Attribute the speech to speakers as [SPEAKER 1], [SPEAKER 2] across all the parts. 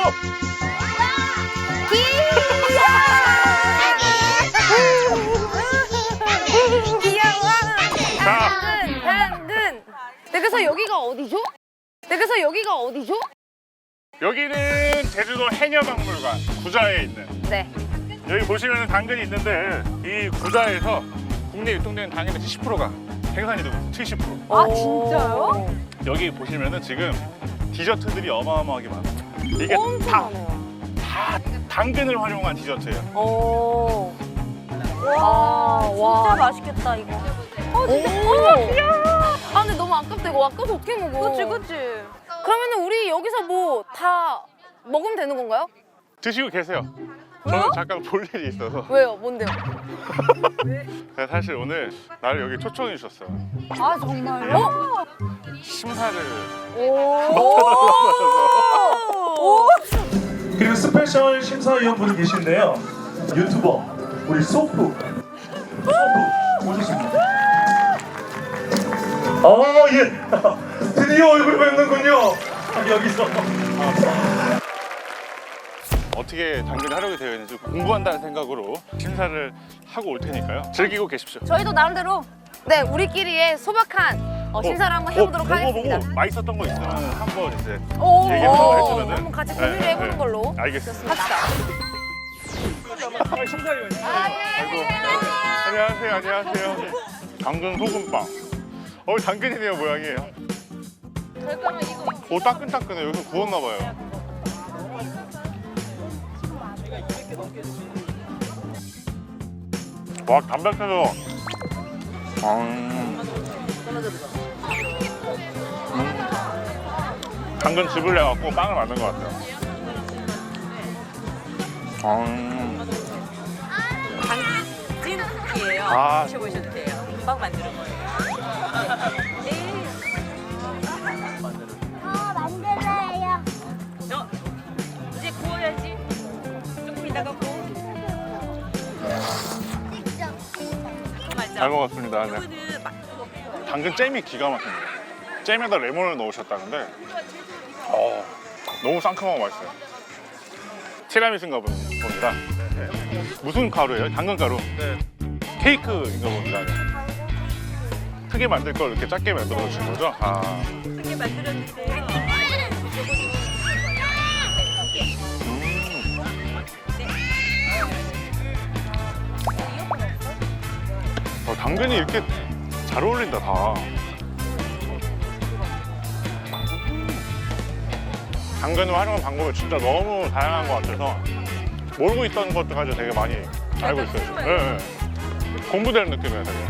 [SPEAKER 1] 귀여워.
[SPEAKER 2] 자.
[SPEAKER 1] 당근. 네, 그래서 여기가 어디죠? 네, 그래서 여기가 어디죠?
[SPEAKER 2] 여기는 제주도 해녀박물관 구좌에 있는.
[SPEAKER 1] 네.
[SPEAKER 2] 여기 보시면 당근이 있는데 이 구좌에서 국내 유통되는 당근의 70%가 생산이 되고 있어요. 70%.
[SPEAKER 1] 아, 진짜요?
[SPEAKER 2] 여기 보시면은 지금 디저트들이 어마어마하게 많아요. 이게
[SPEAKER 1] 엄청
[SPEAKER 2] 다
[SPEAKER 1] 많아요.
[SPEAKER 2] 당근을 활용한 디저트예요.
[SPEAKER 1] 오.
[SPEAKER 3] 와,
[SPEAKER 1] 와.
[SPEAKER 3] 진짜 맛있겠다 이거.
[SPEAKER 1] 진짜. 아, 근데 너무 아깝다. 이거 아까워서 어떻게 먹어?
[SPEAKER 3] 그치.
[SPEAKER 1] 그러면은 우리 여기서 뭐 다 먹으면 되는 건가요?
[SPEAKER 2] 드시고 계세요. 저는 잠깐 볼 일이 있어서.
[SPEAKER 1] 왜요? 뭔데요?
[SPEAKER 2] 제가 사실 오늘 나를 여기 초청해 주셨어요.
[SPEAKER 3] 아 정말요?
[SPEAKER 2] 심사를
[SPEAKER 1] 오.
[SPEAKER 4] 그리고 스페셜 심사위원분이 계신데요. 유튜버 우리 소프 오셨습니다. 예. 드디어 얼굴 뵙는군요. 여기서.
[SPEAKER 2] 어떻게 당근이 활용이 되어 있는지 공부한다는 생각으로 심사를 하고 올 테니까요. 즐기고 계십시오.
[SPEAKER 3] 저희도 나름대로
[SPEAKER 1] 네, 우리끼리의 소박한 심사를 한번 해보도록 하겠습니다.
[SPEAKER 2] 보고 맛있었던 거 있으면 한번 이제
[SPEAKER 1] 오.
[SPEAKER 2] 얘기해서 해주면은
[SPEAKER 1] 한번 같이 공유를 해보는 걸로
[SPEAKER 2] 알겠습니다.
[SPEAKER 1] 합시다.
[SPEAKER 2] 심사위원님. 아이고. 안녕하세요. 당근 소금빵. 당근이네요 모양이에요. 오 따끈따끈해. 여기서 구웠나 봐요. 와 담백해서. 당근 즙을 내갖고 빵을 만든 것 같아요.
[SPEAKER 3] 당근찜이에요.
[SPEAKER 2] 아.
[SPEAKER 3] 드셔보셔도 돼요. 금방 만드는 거예요.
[SPEAKER 5] 만들어요.
[SPEAKER 3] 이제 구워야지. 조금 이따가 구워.
[SPEAKER 2] 잘 먹었습니다. 네.
[SPEAKER 3] 이거는 막
[SPEAKER 2] 당근 잼이 기가 막힙니다. 잼에다 레몬을 넣으셨다는데 너무 상큼하고 맛있어요. 티라미수인가 봅니다. 무슨 가루예요? 당근 가루? 네. 케이크인가 봅니다. 크게 만들 걸 이렇게 작게 만들어 주신 거죠?
[SPEAKER 3] 크게 만들었는데요.
[SPEAKER 2] 당근이 이렇게 잘 어울린다 다. 당근을 활용한 방법이 진짜 너무 다양한 것 같아서 모르고 있던 것들까지 되게 많이 알고 있어요. 네. 공부되는 느낌이에요 되게.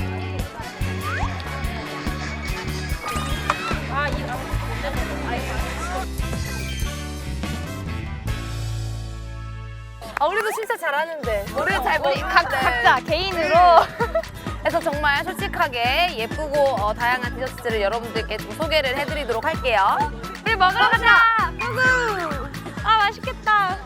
[SPEAKER 1] 우리도 진짜 잘하는데. 우리 잘 모르는데.
[SPEAKER 3] 각자 개인으로.
[SPEAKER 1] 그래서 정말 솔직하게 예쁘고 다양한 디저트를 여러분들께 좀 소개를 해드리도록 할게요.
[SPEAKER 3] 우리 먹으러 가자. 아 맛있겠다.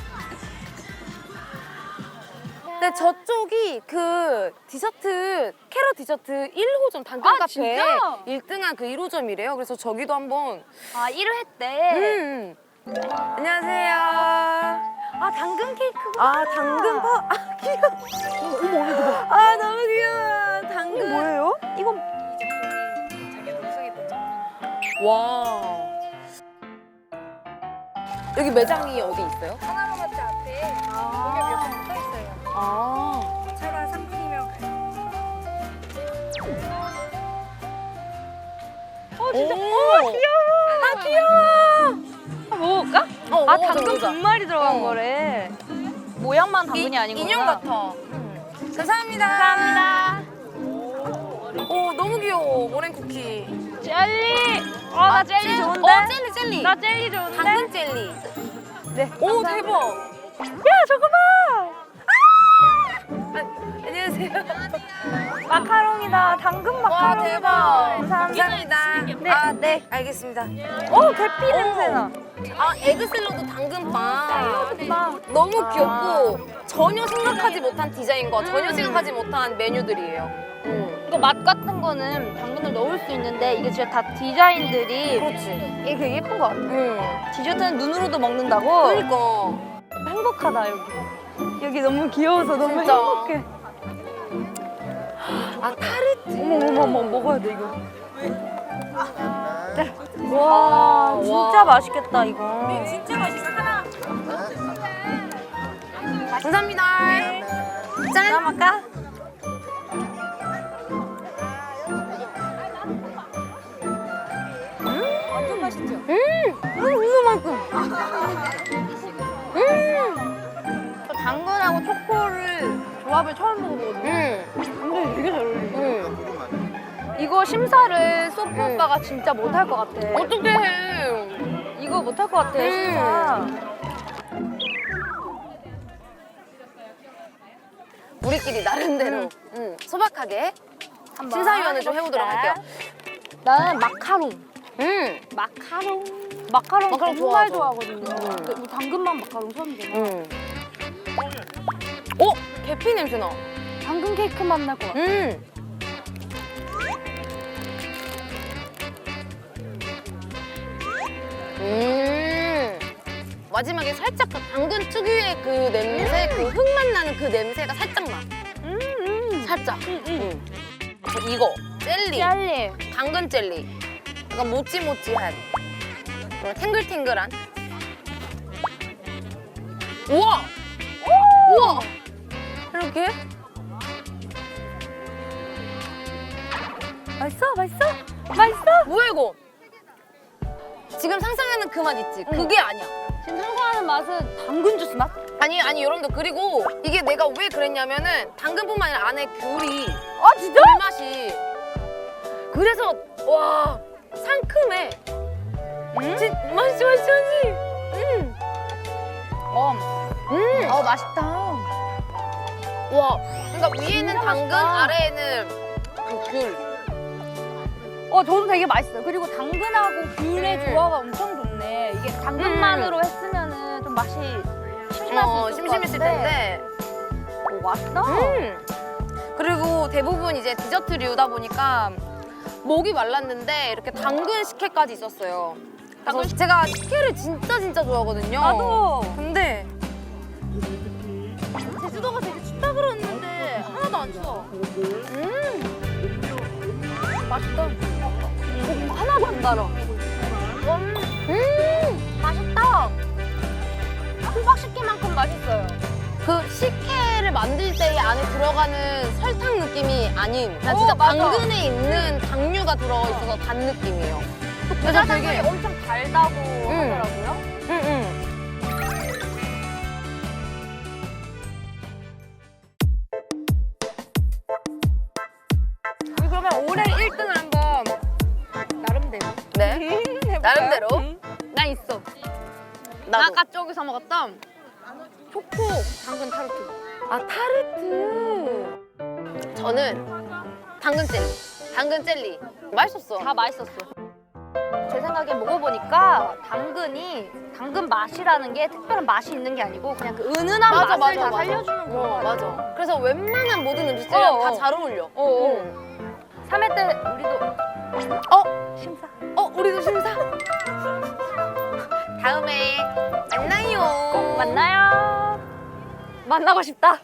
[SPEAKER 1] 근데 저쪽이 그 디저트 캐럿 디저트 1호점 당근
[SPEAKER 3] 아,
[SPEAKER 1] 카페
[SPEAKER 3] 진짜?
[SPEAKER 1] 1등한 그 1호점이래요. 그래서 저기도 한번.
[SPEAKER 3] 아 1회 때.
[SPEAKER 1] 안녕하세요.
[SPEAKER 3] 아 당근 케이크.
[SPEAKER 1] 당근 귀여워. 어머 이거 봐. 너무 귀여워. 당근. 이거 뭐예요?
[SPEAKER 3] 이건
[SPEAKER 1] 와. 여기 매장이 어디 있어요?
[SPEAKER 5] 하나로마트 앞에 공연 몇번 붙어 있어요.
[SPEAKER 1] 아.
[SPEAKER 5] 차가 상품이면
[SPEAKER 1] 진짜.
[SPEAKER 3] 먹어볼까?
[SPEAKER 1] 먹어보자,
[SPEAKER 3] 당근
[SPEAKER 1] 먹어보자.
[SPEAKER 3] 분말이 들어간
[SPEAKER 1] 어.
[SPEAKER 3] 거래. 모양만 당근이 아닌 거구나.
[SPEAKER 1] 인형 같아. 감사합니다.
[SPEAKER 3] 감사합니다.
[SPEAKER 1] 오, 너무 귀여워. 머랭 쿠키.
[SPEAKER 3] 젤리. 나 젤리 좋은데.
[SPEAKER 1] 젤리.
[SPEAKER 3] 나 젤리 좋은데.
[SPEAKER 1] 당근 젤리.
[SPEAKER 3] 네.
[SPEAKER 1] 오,
[SPEAKER 3] 감사합니다.
[SPEAKER 1] 대박.
[SPEAKER 3] 야 저거 봐.
[SPEAKER 1] 안녕하세요.
[SPEAKER 3] 마카롱이다. 당근 마카롱.
[SPEAKER 1] 와, 대박.
[SPEAKER 3] 감사합니다.
[SPEAKER 1] 감사합니다.
[SPEAKER 3] 네.
[SPEAKER 1] 알겠습니다.
[SPEAKER 3] 계피 냄새나.
[SPEAKER 1] 에그 샐러드 당근빵.
[SPEAKER 3] 예쁘다.
[SPEAKER 1] 너무 귀엽고 전혀 생각하지 못한 디자인과 전혀 생각하지 못한 메뉴들이에요.
[SPEAKER 3] 이거 맛 같은 거는 당근을 넣을 수 있는데 이게 진짜 다 디자인들이
[SPEAKER 1] 그렇지.
[SPEAKER 3] 이게 되게 예쁜 것 같아.
[SPEAKER 1] 응.
[SPEAKER 3] 디저트는 눈으로도 먹는다고?
[SPEAKER 1] 그러니까.
[SPEAKER 3] 행복하다 여기. 여기 너무 귀여워서 너무
[SPEAKER 1] 진짜.
[SPEAKER 3] 행복해.
[SPEAKER 1] 아, 타르트.
[SPEAKER 3] 어머 먹어야 돼 이거. 와 진짜 맛있겠다 이거.
[SPEAKER 1] 진짜 맛있어. 하나. 감사합니다. 짠.
[SPEAKER 3] 까마까? 완전 맛있죠?
[SPEAKER 1] 이거만큼.
[SPEAKER 3] 당근하고 초코를 조합을 처음 먹어보거든요. 근데 되게 잘 어울리네. 이거 심사를 소프 오빠가 진짜 못할 것 같아.
[SPEAKER 1] 어떻게 해?
[SPEAKER 3] 이거 못할 것 같아 심사.
[SPEAKER 1] 우리끼리 나름대로 소박하게 심사위원을 좀 해보도록 할게요.
[SPEAKER 3] 나는 마카롱.
[SPEAKER 1] 마카롱
[SPEAKER 3] 마카롱 정말
[SPEAKER 1] 좋아하죠.
[SPEAKER 3] 좋아하거든요. 근데 이 당근맛 마카롱 처음이잖아.
[SPEAKER 1] 오! 계피 냄새 나.
[SPEAKER 3] 당근 케이크 맛 날 것 같아.
[SPEAKER 1] 마지막에 살짝 그 당근 특유의 그 냄새, 그 흙맛 나는 그 냄새가 살짝 나. 살짝. 이거 젤리,
[SPEAKER 3] 짤리.
[SPEAKER 1] 당근 젤리. 약간 모찌모찌한, 탱글탱글한. 우와! 우와! 이렇게?
[SPEAKER 3] 맛있어? 맛있어? 맛있어?
[SPEAKER 1] 뭐야 이거? 지금 상상하는 그 맛 있지? 그게 아니야.
[SPEAKER 3] 지금 상상하는 맛은 당근 주스 맛?
[SPEAKER 1] 아니 여러분들, 그리고 이게 내가 왜 그랬냐면은 당근뿐만 아니라 안에 귤이
[SPEAKER 3] 아 진짜?
[SPEAKER 1] 맛이 그래서 와 상큼해. 맛있지.
[SPEAKER 3] 맛있다.
[SPEAKER 1] 와, 그러니까 위에는
[SPEAKER 3] 진짜
[SPEAKER 1] 당근,
[SPEAKER 3] 맛있다.
[SPEAKER 1] 아래에는 그 귤.
[SPEAKER 3] 저도 되게 맛있어요. 그리고 당근하고 귤의 조화가 엄청 좋네. 이게 당근만으로 했으면은 좀 맛이 심심할 수 있을 것
[SPEAKER 1] 심심했을
[SPEAKER 3] 같은데.
[SPEAKER 1] 텐데.
[SPEAKER 3] 오, 맛있다.
[SPEAKER 1] 그리고 대부분 이제 디저트류다 보니까 목이 말랐는데 이렇게 당근 식혜까지 있었어요. 그래서 제가 식혜를 진짜 좋아하거든요.
[SPEAKER 3] 나도.
[SPEAKER 1] 근데
[SPEAKER 3] 제주도가 되게 춥다 그랬는데 하나도 안 추워. 맛있다. 하나도 안 달아. 맛있다. 호박식혜만큼 맛있어요.
[SPEAKER 1] 그 식혜를 만들 때 안에 들어가는 설탕 느낌이 아닌, 나 진짜
[SPEAKER 3] 맞아.
[SPEAKER 1] 당근에 있는 당류가 들어있어서 단 느낌이에요. 그래서
[SPEAKER 3] 짜장면이
[SPEAKER 1] 되게
[SPEAKER 3] 엄청 달다고 하더라고요. 우리 그러면 올해 1등을 한번 나름대로.
[SPEAKER 1] 네, 나름대로.
[SPEAKER 3] 나 있어.
[SPEAKER 1] 나도.
[SPEAKER 3] 아까 저기서 먹었던 초코 당근 타르트.
[SPEAKER 1] 아, 타르트. 저는 당근 젤리. 맛있었어.
[SPEAKER 3] 다 맛있었어. 제 생각에 먹어보니까 당근 맛이라는 게 특별한 맛이 있는 게 아니고 그냥 그 은은한 맛을 다 살려주는 거.
[SPEAKER 1] 맞아. 그래서 웬만한 모든 음식들이랑
[SPEAKER 3] 어,
[SPEAKER 1] 다
[SPEAKER 3] 어.
[SPEAKER 1] 잘 어울려.
[SPEAKER 3] 3회 때 우리도 심사.
[SPEAKER 1] 우리도 심사. 다음에 만나요.
[SPEAKER 3] 만나요. 만나고 싶다.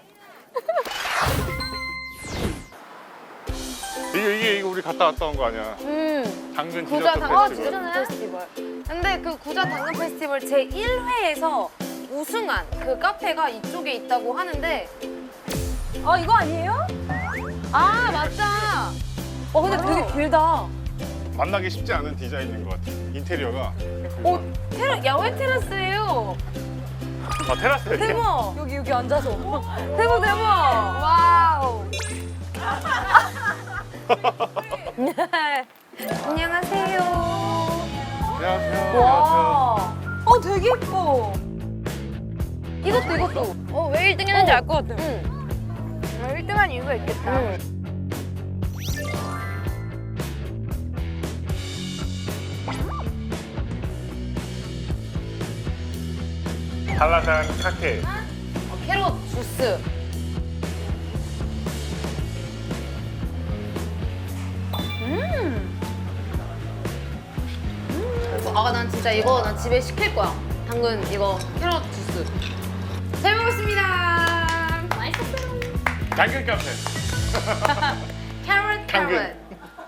[SPEAKER 2] 이게 우리 갔다 온 거 아니야? 당근
[SPEAKER 1] 구자
[SPEAKER 2] 디저트
[SPEAKER 1] 당근
[SPEAKER 2] 페스티벌.
[SPEAKER 1] 디저트 페스티벌. 근데 그 구자 당근 페스티벌 제 1회에서 우승한 그 카페가 이쪽에 있다고 하는데.
[SPEAKER 3] 이거 아니에요?
[SPEAKER 1] 아, 맞다. 근데 되게 길다.
[SPEAKER 2] 만나기 쉽지 않은 디자인인 것 같아. 인테리어가.
[SPEAKER 1] 야외 테라스예요.
[SPEAKER 2] 아, 테라스에.
[SPEAKER 1] 대박.
[SPEAKER 3] 여기 앉아서.
[SPEAKER 1] 대박. 와우. 안녕하세요.
[SPEAKER 2] 안녕하세요.
[SPEAKER 1] 와.
[SPEAKER 3] 되게 예뻐.
[SPEAKER 1] 이것도.
[SPEAKER 3] 왜 1등 했는지 알 것 같아.
[SPEAKER 1] 1등한 이유가 있겠다.
[SPEAKER 2] 한라산 카케.
[SPEAKER 1] 캐럿 주스. 난 진짜 이거 난 집에 시킬 거야. 당근 이거 캐럿 주스. 잘 먹었습니다. 맛있었어요.
[SPEAKER 2] 당근 카페.
[SPEAKER 1] 캐럿
[SPEAKER 2] 당근.
[SPEAKER 1] 캐럿.